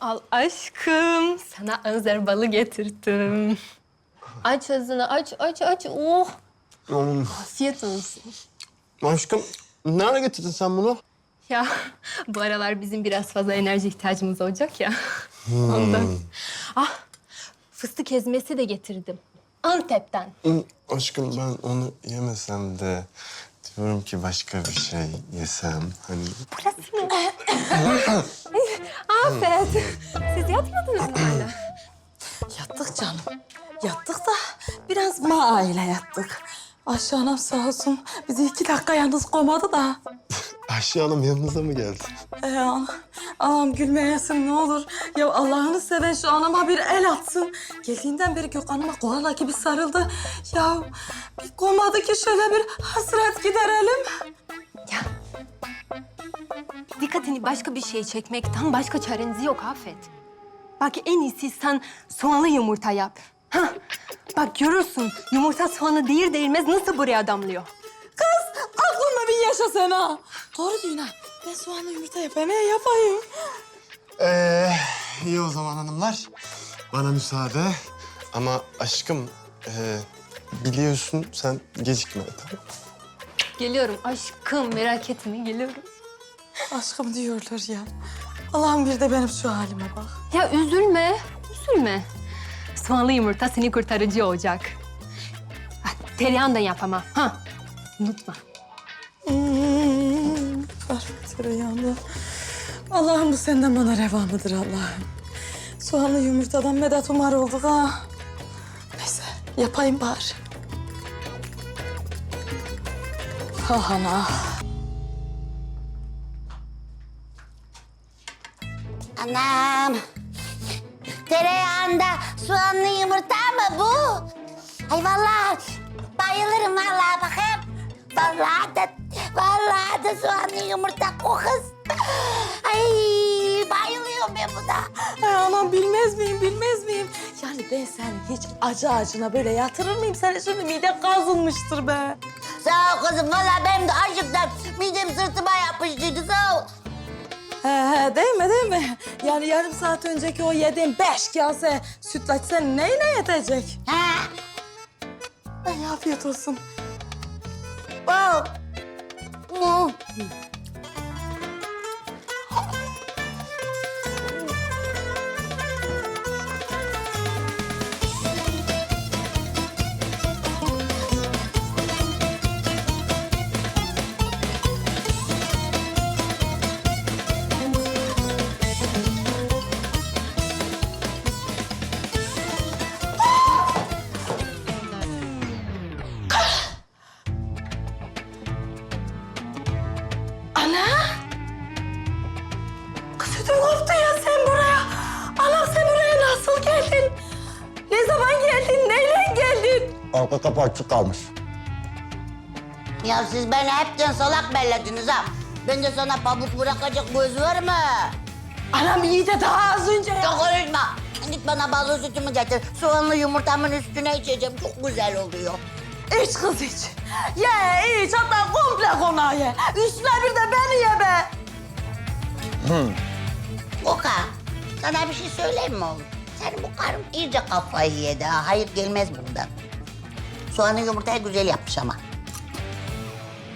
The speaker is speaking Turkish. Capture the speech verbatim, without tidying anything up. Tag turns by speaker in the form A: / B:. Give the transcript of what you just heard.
A: Al aşkım. Sana anzer balı getirdim. Aç ağzını, aç, aç, aç. Oh,
B: Oğlum,
A: afiyet olsun.
B: aşkım nerede getirdin sen bunu?
A: Ya bu aralar bizim biraz fazla enerji ihtiyacımız olacak ya. Ondan. Ah, fıstık ezmesi de getirdim. Antep'ten.
B: Hı, aşkım ben onu yemesem de diyorum ki başka bir şey yesem hani.
A: Burası mı? Afet. Siz yatmadınız mı hala?
C: Yattık canım. Yattık da biraz ma aile yattık. Ayşe anam sağ olsun bizi iki dakika yalnız koymadı da.
B: Ayşe Hanım yanınıza mı geldi?
C: Ee, anam, anam gülmeyesin ne olur. Ya Allah'ını seven şu anama bir el atsın. Geldiğinden beri Gökhan'ıma koala gibi sarıldı. Ya bir koymadı ki şöyle bir hasret giderelim.
A: Ya. Dikkatini başka bir şey çekmekten başka çareniz yok Afet. Bak en iyisi sen soğanlı yumurta yap. Hah. Bak görürsün yumurta soğanı değil değilmez nasıl buraya damlıyor.
C: Kız aklınla bir yaşa sen ha. Doğru diyorsun ha. Ben soğanlı yumurta yapayım, ne yapayım?
B: Ee, iyi o zaman hanımlar. Bana müsaade. Ama aşkım e, biliyorsun sen gecikme tamam.
A: Geliyorum aşkım merak etme geliyorum.
C: Aşkım diyorlar ya. Allah'ım bir de benim şu halime bak.
A: Ya üzülme, üzülme. Soğanlı yumurta seni kurtarıcı olacak. Ha, tereyağını da yap ama. Ha, unutma.
C: Hmm, var tereyağında. Allah'ım bu senden bana reva mıdır Allah'ım? Soğanlı yumurtadan medet umar olduk ha. Neyse yapayım bari. Ah ana.
D: Anam. Tereyağında soğanlı yumurta mı bu? Ay vallahi bayılırım vallahi bakayım. Vallahi da, vallahi da soğanlı yumurta o kız. Ay bayılıyorum ben buna.
C: Ay anam bilmez miyim, bilmez miyim? Yani ben seni hiç acı acına böyle yatırır mıyım? Senin şimdi mide kazınmıştır be.
D: Sağ ol kızım vallahi benim de açlıktan midem sırtıma yapıştıydı sağ ol.
C: He he değil mi değil mi? Yani yarım saat önceki o yediğin beş kase sütlaç senin neyine yetecek?
D: Ha?
C: Ay afiyet olsun.
D: Oh. Oh.
C: Ana! Kız ödüm koptu ya sen buraya. Anam sen buraya nasıl geldin? Ne zaman geldin? Neyle geldin?
B: Arka kapı açık kalmış.
D: Ya siz beni hepten salak bellediniz ha. Ben de sana pamuk bırakacak göz var mı?
C: Anam iyi de daha az önce ya.
D: Çok konuşma. Git bana ballı sütümü getir. Soğanlı yumurtamın üstüne içeceğim. Çok güzel oluyor.
C: İç kız iç. Ye iç hatta komple konağı ye. Üstüne bir de beni ye be.
D: Oka, sana bir şey söyleyeyim mi oğlum? Senin bu karın iyice kafayı yedi ha. Hayır gelmez bundan. Soğanlı yumurtayı güzel yapmış ama.